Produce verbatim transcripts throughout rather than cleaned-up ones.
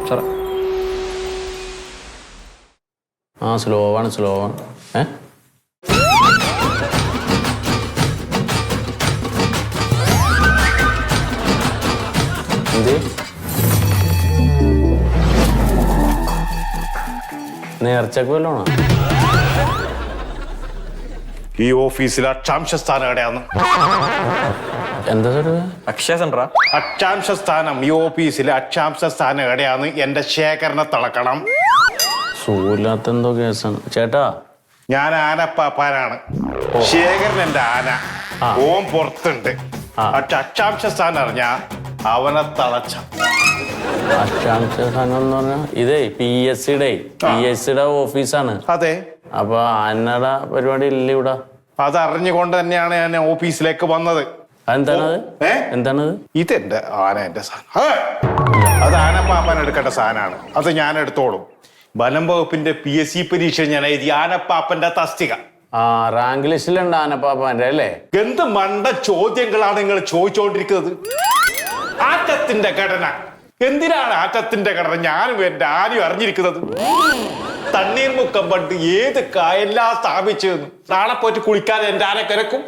സാറേ ആ സ്ലോ ആണ് സ്ലോ ആണ് ഏ എന്ത് നേർച്ചക്ക് വല്ലോണോ? ഈ ഓഫീസിലെ അക്ഷാംശ സ്ഥാനം എവിടെയാന്ന്? എന്താ സാർ? അക്ഷയ സെന്ററാ? അക്ഷാംശ സ്ഥാനം ഈ ഓഫീസിലെ അക്ഷാംശ സ്ഥാനം എവിടെയാന്ന് എന്റെ ശേഖരനെ തളക്കണം. സൂല്ലാത്ത എന്തോ കേസാണ് ചേട്ടാ. ഞാൻ ആനപ്പാപ്പാനാണ്, ശേഖരൻ എന്റെ ആന. ഓം പുറത്തുണ്ട്. പക്ഷെ അക്ഷാംശ സ്ഥാനം അറിഞ്ഞ അവനെ തളച്ച. അക്ഷാംശ സ്ഥാനം എന്ന് പറഞ്ഞാ ഇതേ പി എസ് സിയുടെ പി എസ് സിയുടെ ഓഫീസാണ്. അതെ. അപ്പൊ ആനയുടെ പരിപാടി ഇല്ല ഇവിടെ. അതറിഞ്ഞുകൊണ്ട് തന്നെയാണ് ഞാൻ ഓഫീസിലേക്ക് വന്നത്. എന്താണത്? എന്താണത്? ഇതെന്റെ ആന, എന്റെ സാധനം. അത് ആനപ്പാപ്പാൻ എടുക്കേണ്ട സാധനമാണ്. അത് ഞാൻ എടുത്തോളും. വനം വകുപ്പിന്റെ പി എസ് സി പരീക്ഷ ഞാൻ എഴുതി ആനപ്പാപ്പന്റെ തസ്തിക. ആ റാങ്ക് ലിസ്റ്റിലുണ്ട് ആനപ്പാപ്പാന്റെ അല്ലേ? എന്ത് മണ്ട ചോദ്യങ്ങളാണ് നിങ്ങൾ ചോദിച്ചുകൊണ്ടിരിക്കുന്നത്? ആറ്റത്തിന്റെ ഘടന എന്തിനാണ്? ആറ്റത്തിന്റെ ഘടന ഞാനും എന്റെ ആരും അറിഞ്ഞിരിക്കുന്നത്. തണ്ണീർമുക്കം പണ്ട് ഏത് കായെല്ലാം സ്ഥാപിച്ചു. നാളെ പോയിട്ട് കുളിക്കാൻ എന്റെ ആന കിടക്കും.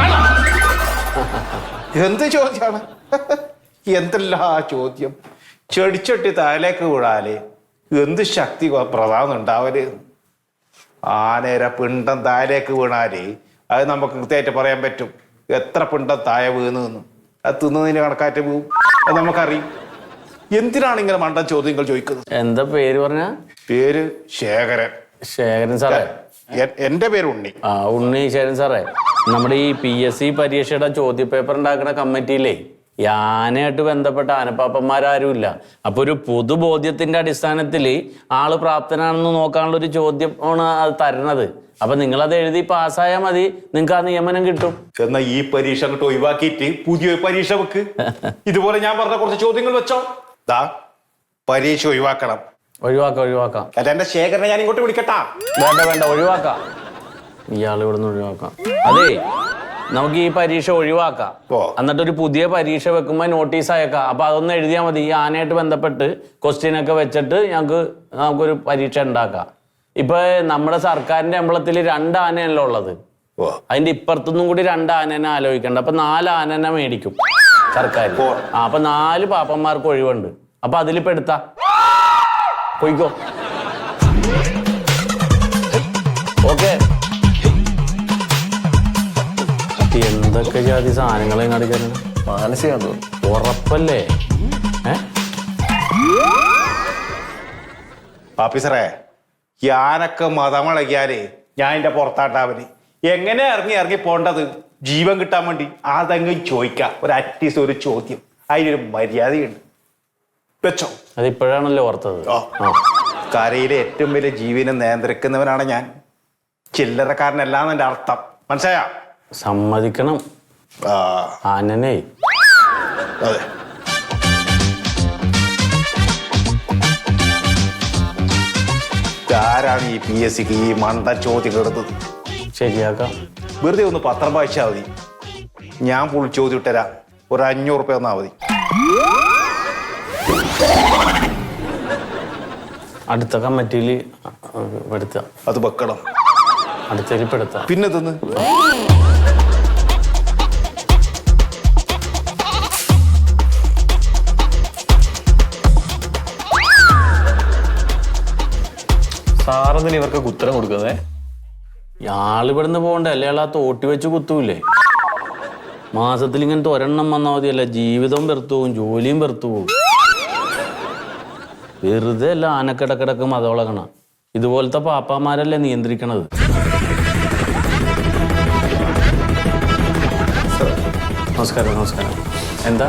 എന്ത് ചോദ്യമാണ്? എന്തെല്ലാ ചോദ്യം. ചെടിച്ചട്ടി താഴേക്ക് വീഴാല് എന്ത് ശക്തി പ്രധാനം ഉണ്ടാവല്. ആനേരെ പിണ്ടം താഴേക്ക് വീണാല് അത് നമുക്ക് കൃത്യമായിട്ട് പറയാൻ പറ്റും എത്ര പിണ്ടം താഴെ വീണ്. അത് തിന്നതിന് കണക്കാറ്റ് വീഴും. അത് നമുക്കറിയും. എന്തിനാണ് ഇങ്ങനെ മണ്ടൻ ചോദ്യങ്ങൾ ചോദിക്കുന്നത്? എന്താ പേര് പറഞ്ഞ? പേര് ശേഖരൻ. ശേഖരൻ സാറേ? എന്റെ പേര് ഉണ്ണി. ആ ഉണ്ണി ശേഖരൻ സാറേ, നമ്മുടെ ഈ പി എസ് സി പരീക്ഷയുടെ ചോദ്യ പേപ്പർ ഉണ്ടാക്കുന്ന കമ്മിറ്റിയിലേ ഈ ആനയായിട്ട് ബന്ധപ്പെട്ട ആനപ്പാപ്പന്മാരാരുമില്ല. അപ്പൊ ഒരു പൊതുബോധ്യത്തിന്റെ അടിസ്ഥാനത്തിൽ ആള് പ്രാപ്തനാണെന്ന് നോക്കാനുള്ള ഒരു ചോദ്യം ആണ് അത് തരണത്. അപ്പൊ നിങ്ങളത് എഴുതി പാസ്സായാൽ മതി, നിങ്ങൾക്ക് ആ നിയമനം കിട്ടും. എന്നാ ഈ പരീക്ഷ അങ്ങോട്ട് ഒഴിവാക്കിയിട്ട് പുതിയ പരീക്ഷ വെക്ക്. ഇതുപോലെ ഞാൻ പറഞ്ഞ കുറച്ച് ചോദ്യങ്ങൾ വെച്ചോ. ദാ പരീക്ഷ ഒഴിവാക്കണം. ഒഴിവാക്കാം ഒഴിവാക്കാം. അല്ല എന്റെ ശേഖരനെ ഞാൻ ഇങ്ങോട്ട് വിളിക്കട്ടാ? വേണ്ട വേണ്ട ഒഴിവാക്കാം. ഇയാൾ ഇവിടുന്ന് ഒഴിവാക്കാം. അതെ, നമുക്ക് ഈ പരീക്ഷ ഒഴിവാക്കാം. എന്നിട്ട് ഒരു പുതിയ പരീക്ഷ വെക്കുമ്പോൾ നോട്ടീസ് അയക്കാം. അപ്പൊ അതൊന്ന് എഴുതിയാൽ മതി. ഈ ആനയായിട്ട് ബന്ധപ്പെട്ട് ക്വസ്റ്റ്യൻ ഒക്കെ വെച്ചിട്ട് ഞങ്ങൾക്ക് നമുക്കൊരു പരീക്ഷ ഉണ്ടാക്കാം. ഇപ്പൊ നമ്മുടെ സർക്കാരിന്റെ അമ്പലത്തിൽ രണ്ട് ആനയല്ലോ ഉള്ളത്. അതിന്റെ ഇപ്പുറത്തുനിന്നും കൂടി രണ്ട് ആനനെ ആലോചിക്കണ്ട. അപ്പൊ നാല് ആനനെ മേടിക്കും സർക്കാർ. ആ അപ്പൊ നാല് പാപ്പന്മാർക്ക് ഒഴിവുണ്ട്. അപ്പൊ അതിൽ പെടുത്താ പോയിക്കോ. ഓക്കെ. എന്തൊക്കെ ജാതി സാധനങ്ങളെ കാണിക്കാനാണ്? മാനസികാന്ന് തോന്നുന്നു. ഉറപ്പല്ലേ? ഏ ഓഫീസറേ, ഞാനൊക്കെ മതമിളകിയാലേ ഞാൻ എന്റെ പുറത്താട്ടാവന്. എങ്ങനെ ഇറങ്ങി ഇറങ്ങി പോണ്ടത്? ജീവൻ കിട്ടാൻ വേണ്ടി അതെങ്കിലും ചോദിക്കാം. ഒരു അറ്റ്ലീസ്റ്റ് ഒരു ചോദ്യം, അതിനൊരു മര്യാദയുണ്ട്. വെച്ചോ. അതിപ്പോഴാണല്ലോ ഓർത്തത്. കരയിലെ ഏറ്റവും വലിയ ജീവനെ നിയന്ത്രിക്കുന്നവനാണ് ഞാൻ. ചില്ലറക്കാരനല്ലാന്ന് എന്റെ അർത്ഥം. മനസ്സിലായോ? സമ്മതിക്കണം. ആനനെ അതെ. ആരാണ് ഈ പി എസ് സിക്ക് ഈ മണ്ട ചോദ്യം എടുത്തത്? ശരിയാക്കാം. വെറുതെ ഒന്ന് പത്രം വായിച്ചാൽ മതി. ഞാൻ ഫുൾ ചോദ്യം ഇട്ടരാ. ഒരു അഞ്ഞൂറ് റുപ്യ തന്നാ മതി. അടുത്ത കമ്മിറ്റിയിൽ പെടുത്താം. അത് വെക്കണം. അടുത്തതിൽ പെടുത്താം. പിന്നെ തിന്ന് സാറെന്തിന് ഇവർക്ക് ഉത്തരം കൊടുക്കുന്നേ? ഇയാളിവിടുന്ന് പോകണ്ടേ? അല്ലേ ആ തോട്ടി വെച്ച് കുത്തൂല്ലേ? മാസത്തിൽ ഇങ്ങനത്തെ ഒരെണ്ണം വന്നാൽ മതിയല്ല. ജീവിതവും വെറുത്തു പോകും, ജോലിയും വെറുത്തു പോകും. വെറുതെ അല്ല ആനക്കിടക്കിടക്ക് മതവളകണം. ഇതുപോലത്തെ പാപ്പാമാരല്ലേ നിയന്ത്രിക്കണത്. നമസ്കാരം നമസ്കാരം. എന്താ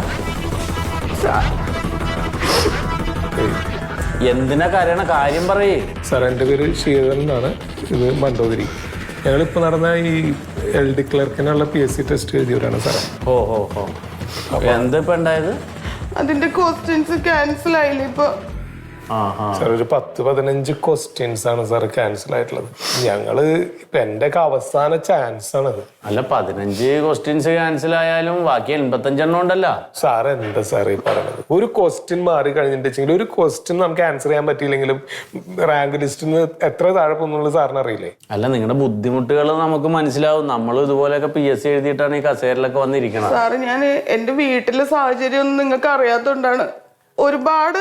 എന്തിനാ കരയണ? കാര്യം പറയേ. സാർ, എൻ്റെ പേര് ശീതൻ എന്നാണ്. ഇത് മണ്ടോതിരി. ഞങ്ങളിപ്പോൾ നടന്ന ഈ എൽ ഡി ക്ലർക്കിനുള്ള പി എസ് സി ടെസ്റ്റ് എഴുതിയവരാണ് സാർ. ഓ ഓ ഓ എന്താ ഇപ്പം ഉണ്ടായത്? അതിന്റെ ക്വസ്റ്റ്യൻസ് ക്യാൻസൽ ആയില്ലേ? ഇപ്പൊ സാർ ഒരു പത്ത് പതിനഞ്ച് ക്വസ്റ്റ്യൻസ് ആണ് സാർ ക്യാൻസൽ ആയിട്ടുള്ളത്. ഞങ്ങള് ഇപ്പൊ എന്റെ ഒക്കെ അവസാന ചാൻസ് ആണത്. അല്ല പതിനഞ്ച് ക്വസ്റ്റ്യൻസ് ക്യാൻസൽ ആയാലും ബാക്കി എൺപത്തഞ്ചെണ്ണം ഉണ്ടല്ലോ. സാർ എന്താ സാർ ഈ പറയുന്നത്? ഒരു ക്വസ്റ്റ്യൻ മാറി കഴിഞ്ഞിട്ടുണ്ടെങ്കിൽ ഒരു ക്വസ്റ്റ്യൻ നമുക്ക് ആൻസർ ചെയ്യാൻ പറ്റിയില്ലെങ്കിലും റാങ്ക് ലിസ്റ്റിൽ നിന്ന് എത്ര താഴെ പോകുന്നുള്ളത് സാറിന് അറിയില്ലേ? അല്ല നിങ്ങളുടെ ബുദ്ധിമുട്ടുകൾ നമുക്ക് മനസ്സിലാവും. നമ്മൾ ഇതുപോലെയൊക്കെ പി എസ് സി എഴുതിയിട്ടാണ് ഈ കസേരയിലൊക്കെ വന്നിരിക്കണം. സാറ് ഞാൻ എന്റെ വീട്ടിലെ സാഹചര്യം ഒന്നും നിങ്ങൾക്ക് അറിയാത്തോണ്ടാണ് ഒരുപാട്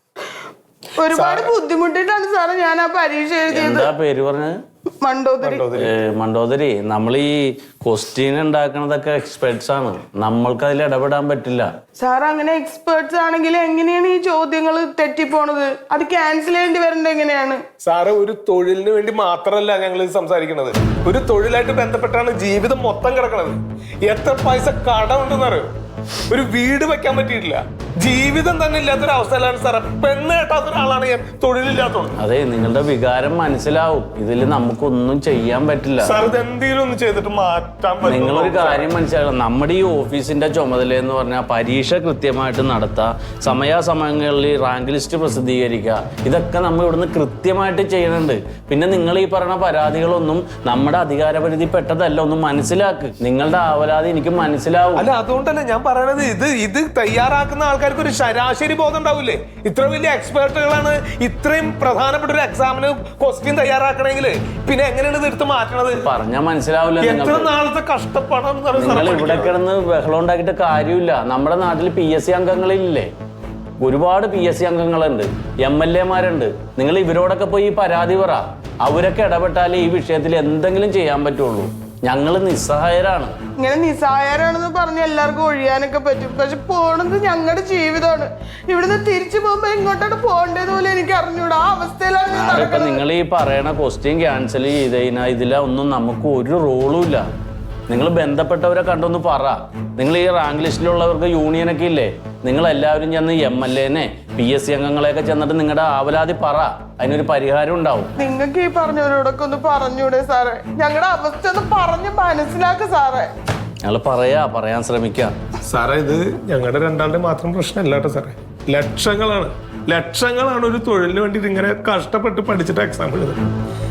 ഒരുപാട് ബുദ്ധിമുട്ടിട്ടാണ് സാറ് ഞാൻ ആ പരീക്ഷ എഴുതിയത്. എന്താ പേര് പറഞ്ഞത്? മണ്ടോദരി. മണ്ടോദരി, നമ്മൾ ഈ ക്വസ്റ്റ്യൻ ഉണ്ടാക്കുന്നതൊക്കെ എക്സ്പെർട്സ് ആണ്, നമ്മൾക്ക് അതിൽ ഇടപെടാൻ പറ്റില്ല. സാർ അങ്ങനെ എക്സ്പേർട്സ് ആണെങ്കിൽ എങ്ങനെയാണ് ഈ ചോദ്യങ്ങൾ തെറ്റിപ്പോണത്? അത് ക്യാൻസൽ ചെയ്യേണ്ടി വരേണ്ടത് എങ്ങനെയാണ്? സാറ് ഒരു തൊഴിലിന് വേണ്ടി മാത്രമല്ല ഞങ്ങൾ സംസാരിക്കുന്നത്. ഒരു തൊഴിലായിട്ട് ബന്ധപ്പെട്ടാണ് ജീവിതം മൊത്തം കിടക്കുന്നത്. എത്ര പൈസ കടം ഉണ്ടെന്ന് അറിയോ? ഒരു വീട് വെക്കാൻ പറ്റിയിട്ടില്ല. ജീവിതം തന്നെ ഇല്ലാത്തൊരവസ്ഥയിലാണ് സാറേ. പെണ്ണ് കേട്ടാത്ത ഒരാളാണ് ഞാൻ, തൊഴിലില്ലാത്തത്. അതെ, നിങ്ങളുടെ വികാരം മനസ്സിലാവും. ഇതിൽ നമുക്കൊന്നും ചെയ്യാൻ പറ്റില്ല. സാർ ഇത് എന്തെങ്കിലും ഒന്ന് ചെയ്തിട്ട് മാറ്റാൻ പറ്റും. നിങ്ങളൊരു കാര്യം മനസ്സിലാക്കണം, നമ്മുടെ ഈ ഓഫീസിന്റെ ചുമതല എന്ന് പറഞ്ഞാൽ പരീക്ഷ കൃത്യമായിട്ട് നടത്തുക, സമയാസമയങ്ങളിൽ റാങ്ക് ലിസ്റ്റ് പ്രസിദ്ധീകരിക്കുക, ഇതൊക്കെ നമ്മൾ ഇവിടുന്ന് കൃത്യമായിട്ട് ചെയ്യുന്നുണ്ട്. പിന്നെ നിങ്ങൾ ഈ പറയുന്ന പരാതികളൊന്നും നമ്മുടെ അധികാരപരിധി പെട്ടതല്ല. ഒന്നും മനസ്സിലാക്ക്. നിങ്ങളുടെ ആവലാതി എനിക്ക് മനസ്സിലാവും. അല്ല അതുകൊണ്ടല്ലേ ഞാൻ പറയണത്, ഇത് ഇത് തയ്യാറാക്കുന്ന ആൾക്കാർക്ക് ഒരു ശരാശരി ബോധം ഉണ്ടാവില്ലേ? ഇത്ര വലിയ എക്സ്പേർട്ടുകളാണ് ഇത്രയും പ്രധാനപ്പെട്ട ഒരു എക്സാമിന് ക്വസ്റ്റ്യൻ തയ്യാറാക്കണമെങ്കിൽ പിന്നെ എങ്ങനെയാണ് ഇത് എടുത്ത് മാറ്റണത്? പറഞ്ഞാൽ മനസ്സിലാവില്ല. എത്ര നാളത്തെ കഷ്ടപ്പാടാണ് നിങ്ങൾ ഇവിടെ കിടന്ന് ബഹളം ഉണ്ടാക്കിയിട്ട് കാര്യമില്ല. നമ്മുടെ നാട്ടിൽ പി എസ് സി അംഗങ്ങളില്ലേ? ഒരുപാട് പി എസ് സി അംഗങ്ങളുണ്ട്, എം എൽ എമാരുണ്ട്. നിങ്ങൾ ഇവരോടൊക്കെ പോയി ഈ പരാതി പറ. അവരൊക്കെ ഇടപെട്ടാലേ ഈ വിഷയത്തിൽ എന്തെങ്കിലും ചെയ്യാൻ പറ്റുള്ളൂ. ഞങ്ങൾ നിസ്സഹായരാണ്. ഇങ്ങനെ നിസ്സഹായരാണെന്ന് പറഞ്ഞ് എല്ലാവർക്കും ഒഴിയാനൊക്കെ പറ്റും. പക്ഷെ പോണത് ഞങ്ങളുടെ ജീവിതമാണ്. ഇവിടുന്ന് തിരിച്ചു പോകുമ്പോ ഇങ്ങോട്ടാണ് പോകേണ്ടത് പോലെ എനിക്ക് അറിഞ്ഞൂടാ. ആ അവസ്ഥയിലാണ് ഇപ്പൊ നിങ്ങൾ ഈ പറയണ ക്വസ്റ്റ്യൻ ക്യാൻസൽ ചെയ്ത് കഴിഞ്ഞാൽ ഇതിലൊന്നും നമുക്ക് ഒരു റോളും ഇല്ല. നിങ്ങൾ ബന്ധപ്പെട്ടവരെ കണ്ടൊന്ന് പറ. നിങ്ങൾ ഈ റാങ്ക് ലിസ്റ്റിലുള്ളവർക്ക് യൂണിയനൊക്കെ ഇല്ലേ? നിങ്ങൾ എല്ലാവരും ചെന്ന് എം എൽ എനെ പി എസ് സി അംഗങ്ങളെയൊക്കെ ചെന്നിട്ട് നിങ്ങളുടെ ആവലാതി പറ. അതിനൊരു പരിഹാരം ഉണ്ടാവും. നിങ്ങൾക്ക് ഈ പറഞ്ഞവരോടൊക്കെ ഒന്ന് പറഞ്ഞൂടെ സാറേ? ഞങ്ങളുടെ അവസ്ഥ ഒന്ന് പറഞ്ഞ് മനസ്സിലാക്ക സാറേ. ഞങ്ങൾ പറയാ പറയാൻ ശ്രമിക്കാം സാറേ. ഇത് ഞങ്ങളുടെ രണ്ടാളുടെ മാത്രം പ്രശ്നമല്ല കേട്ടോ സാറേ. ലക്ഷങ്ങളാണ് ലക്ഷങ്ങളാണ് ഒരു തൊഴിലിന് വേണ്ടി ഇങ്ങനെ കഷ്ടപ്പെട്ട് പഠിച്ചിട്ട് എക്സാം എഴുതുന്നത്.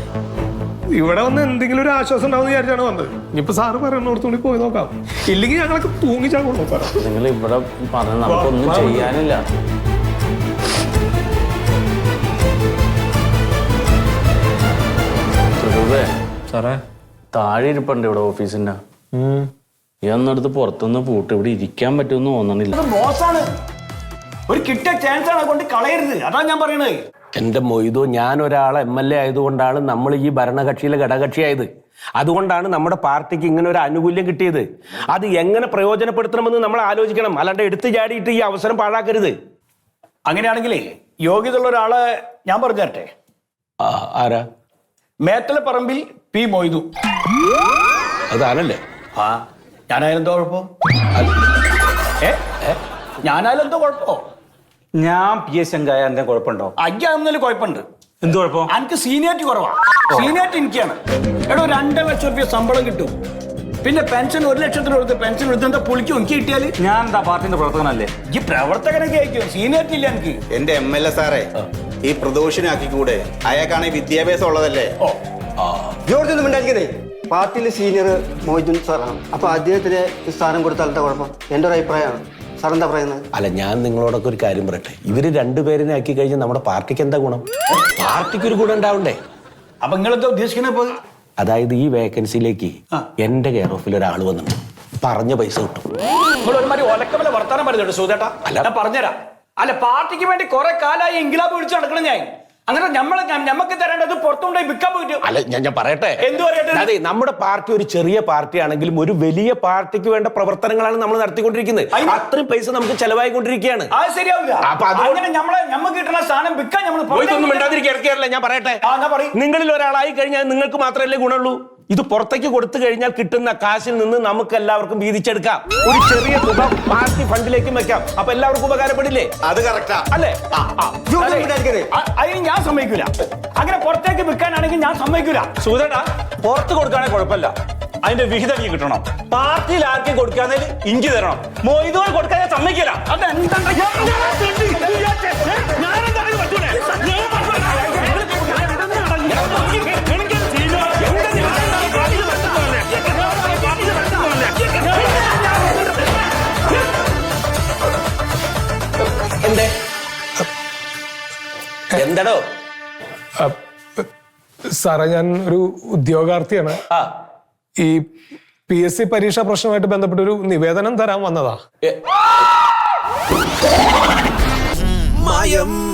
ഇവിടെ വന്ന് എന്തെങ്കിലും ഒരു ആശ്വാസം ഉണ്ടാവും വിചാരിച്ചാണ് വന്നത്. ഇനിയിപ്പോ സാറ് പറയുന്നോടത്തുകൂടി പോയി നോക്കാം. ഇല്ലെങ്കിൽ ഞങ്ങളൊക്കെ തൂങ്ങിച്ചാകൊള്ളൂ സാറേ. നിങ്ങൾ ഇവിടെ പറഞ്ഞ നമുക്കൊന്നും ചെയ്യാനില്ല. സാറേ താഴെ ഇരിപ്പുണ്ട് ഇവിടെ ഓഫീസിന്റെ. ഈ ഒന്നെടുത്ത് പുറത്തുനിന്ന് പൂട്ട് ഇവിടെ ഇരിക്കാൻ പറ്റുമെന്ന് തോന്നണില്ല. മോശമാണ്. ഒരു കിട്ടിയ ചാൻസ് ആണ് കൊണ്ട് കളയരുത്. അതാ ഞാൻ പറയണത്. എന്റെ മൊയ്തോ, ഞാൻ ഒരാളെ എം എൽ എ ആയതുകൊണ്ടാണ് നമ്മൾ ഈ ഭരണകക്ഷിയിലെ ഘടകകക്ഷിയായത്. അതുകൊണ്ടാണ് നമ്മുടെ പാർട്ടിക്ക് ഇങ്ങനെ ഒരു ആനുകൂല്യം കിട്ടിയത്. അത് എങ്ങനെ പ്രയോജനപ്പെടുത്തണമെന്ന് നമ്മൾ ആലോചിക്കണം. അല്ലാണ്ട് എടുത്തു ചാടിയിട്ട് ഈ അവസരം പാഴാക്കരുത്. അങ്ങനെയാണെങ്കിലേ യോഗ്യതയുള്ള ഒരാളെ ഞാൻ പറഞ്ഞു തരട്ടെ. ആരാ? മേത്തല പറമ്പിൽ പി മൊയ്തു. അതാണല്ലേ? ആ ഞാനായാലും എന്തോ കുഴപ്പം? ഏ ഞാനായാലും എന്തോ കുഴപ്പമോ? ഞാൻ പി എസ് അംഗായ എന്താ കുഴപ്പമുണ്ടോ? അയ്യാന്നതിൽ കുഴപ്പമുണ്ട്. എന്ത് കുഴപ്പം? എനിക്ക് സീനിയോറിറ്റി കുറവാ. സീനിയോറിറ്റി എനിക്കാണ്. എടോ രണ്ടര ലക്ഷം റുപ്യ ശമ്പളം കിട്ടും. പിന്നെ പെൻഷൻ ഒരു ലക്ഷത്തിന് കൊടുത്ത് പെൻഷൻ എടുത്ത് എന്താ പൊളിക്കും എനിക്ക് കിട്ടിയാല്? ഞാൻ എന്താ പാർട്ടിന്റെ പ്രവർത്തകനല്ലേ? ഈ പ്രവർത്തകനൊക്കെ ആയിരിക്കും. സീനിയോറിറ്റി ഇല്ല എനിക്ക്. എന്റെ എം എൽ എ സാറേ, ഈ പ്രദോഷനാക്കിക്കൂടെ? അയാൾക്കാണ് വിദ്യാഭ്യാസം ഉള്ളതല്ലേ? ഓ ജോർജ് ഒന്നും ഉണ്ടായിരിക്കുന്നേ. പാർട്ടിയിലെ സീനിയർ മൊയ്തുൻ സാറാണ്. അപ്പൊ അദ്ദേഹത്തിന് സ്ഥാനം കൊടുത്താൽ എന്താ കുഴപ്പം? എന്റെ ഒരു അഭിപ്രായമാണ്. സാർ എന്താ പറയുന്നത്? അല്ല, ഞാൻ നിങ്ങളോടൊക്കെ ഒരു കാര്യം പറയട്ടെ. ഇവര് രണ്ടുപേരിനെ ആക്കി കഴിഞ്ഞാൽ നമ്മുടെ പാർട്ടിക്ക് എന്താ ഗുണം? പാർട്ടിക്ക് ഒരു ഗുണം ഉണ്ടാവണ്ടേ? അപ്പൊ നിങ്ങളെന്താ ഉദ്ദേശിക്കുന്നത്? അതായത് ഈ വേക്കൻസിയിലേക്ക് എന്റെ കെയർ ഓഫിൽ ഒരാൾ വന്നിട്ടുണ്ട്. പറഞ്ഞ പൈസ കിട്ടും. നിങ്ങൾ ഒരുമാതിരി ഒലക്കമല്ല വർത്താനം പറയുന്നുണ്ട് സുധേട്ടാ. അല്ല പറഞ്ഞുതരാം. അല്ല പാർട്ടിക്ക് വേണ്ടി കുറെ കാലമായി ഇൻക്ലാബ് വിളിച്ച് നടക്കണം ഞാൻ. അങ്ങനെ നമ്മളെ ഞമ്മക്ക് തരേണ്ടത് പുറത്തുകൊണ്ടുപോയി വിൽക്കാൻ പോയിട്ട്. അല്ല ഞാൻ ഞാൻ പറയട്ടെ. എന്ത് പറയട്ടെ? അതെ, നമ്മുടെ പാർട്ടി ഒരു ചെറിയ പാർട്ടി ആണെങ്കിലും ഒരു വലിയ പാർട്ടിക്ക് വേണ്ട പ്രവർത്തനങ്ങളാണ് നമ്മൾ നടത്തിക്കൊണ്ടിരിക്കുന്നത്. അത്രയും പൈസ നമുക്ക് ചെലവായിക്കൊണ്ടിരിക്കുകയാണ്. അത് ശരിയാവില്ല. അപ്പൊ അങ്ങനെ നമ്മളെ ഞമ്മക്ക് കിട്ടുന്ന സാധനം വിൽക്കാൻ ഒന്നും മിണ്ടാതിരിക്കുകയല്ല. ഞാൻ പറയട്ടെ. നിങ്ങളിൽ ഒരാളായി കഴിഞ്ഞാൽ നിങ്ങൾക്ക് മാത്രമല്ലേ ഗുണമുള്ളൂ. ഇത് പുറത്തേക്ക് കൊടുത്തു കഴിഞ്ഞാൽ കിട്ടുന്ന കാശിൽ നിന്ന് നമുക്ക് എല്ലാവർക്കും വീതിച്ചെടുക്കാം. ഒരു ചെറിയ തുക പാർട്ടി ഫണ്ടിലേക്കും വെക്കാം. അപ്പൊ എല്ലാവർക്കും ഉപകാരപ്പെടില്ലേ? അത് കറക്റ്റാ അല്ലേ? അതിന് ഞാൻ സമ്മതിക്കൂല. അങ്ങനെ പുറത്തേക്ക് വിൽക്കാനാണെങ്കിൽ ഞാൻ സമ്മതിക്കൂല. സുധേട്ടാ, പുറത്ത് കൊടുക്കുകയാണെങ്കിൽ കുഴപ്പമില്ല. അതിന്റെ വിഹിതം നീ കിട്ടണം. പാർട്ടിയിൽ ആർക്കും കൊടുക്കാന്നതിൽ ഇഞ്ചി തരണം. മൊയ്തുകൾ കൊടുക്കാൻ ഞാൻ സമ്മതിക്കില്ല. അതെന്താ എന്താടോ? സാറേ ഞാൻ ഒരു ഉദ്യോഗാർത്ഥിയാണ്. ആ ഈ പി എസ് സി പരീക്ഷാ പ്രശ്നമായിട്ട് ബന്ധപ്പെട്ട ഒരു നിവേദനം തരാൻ വന്നതാ. മായം